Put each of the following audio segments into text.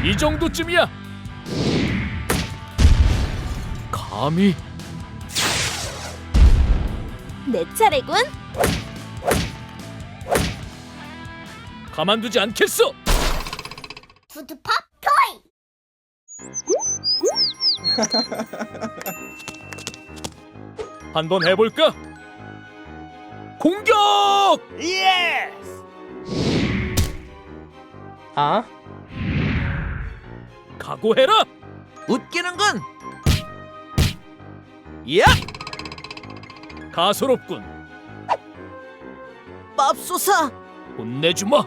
이 정도쯤이야. 감히. 내 차례군. 가만두지 않겠어. 푸드팝 토이. 한번 해볼까? 공격! 예스! 아? 각오해라. 웃기는군! 야! 가소롭군. 맙소사! 혼내주마.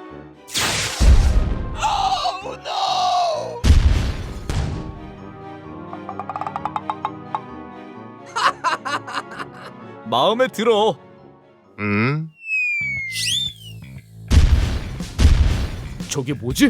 마음에 들어. 저게 뭐지?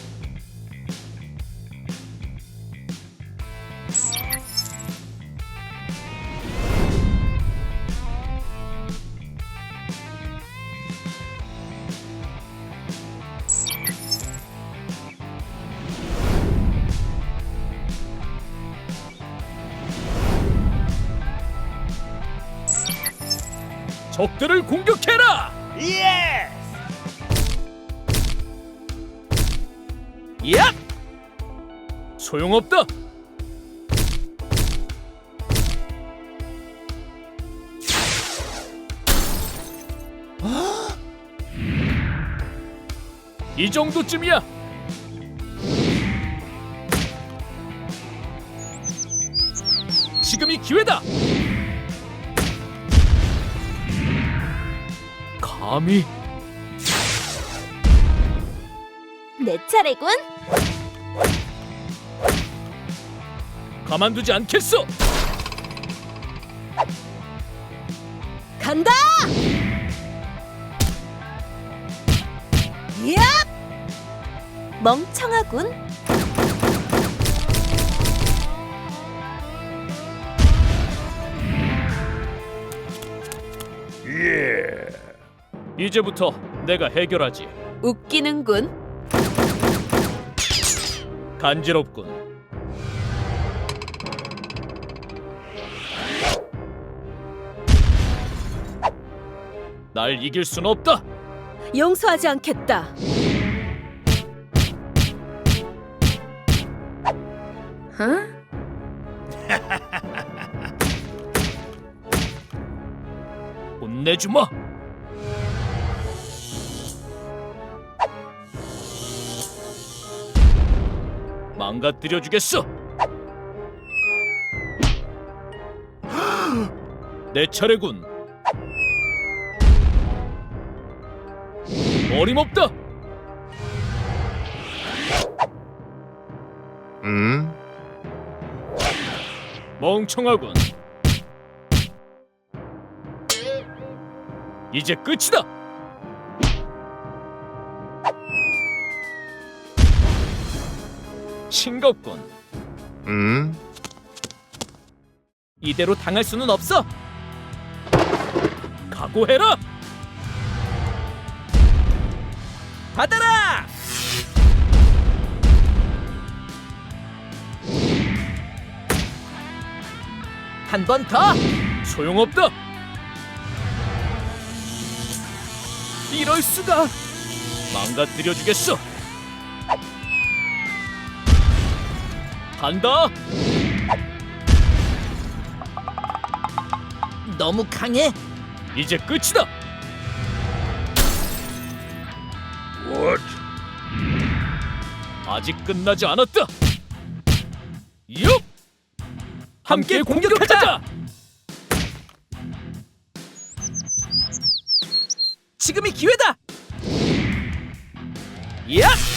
적들을 공격해라! 예스! 야! 소용없다. 이 정도쯤이야. 지금이 기회다. 감히. 내 차례군. 가만두지 않겠어. 간다. 야! 멍청하군. 이제부터 내가 해결하지. 웃기는군. 간지럽군. 날 이길 순 없다. 용서하지 않겠다. 응? 혼내주마. 망가뜨려 주겠어. 내 차례군. 어림없다. 멍청하군. 이제 끝이다. 싱겁군. 이대로 당할 수는 없어. 각오해라. 받아라! 한 번 더! 소용없다. 이럴 수가! 망가뜨려 주겠어. 간다. 너무 강해! 이제 끝이다. 아직 끝나지 않았다. 육! 함께 공격하자. 지금이 기회다! 야!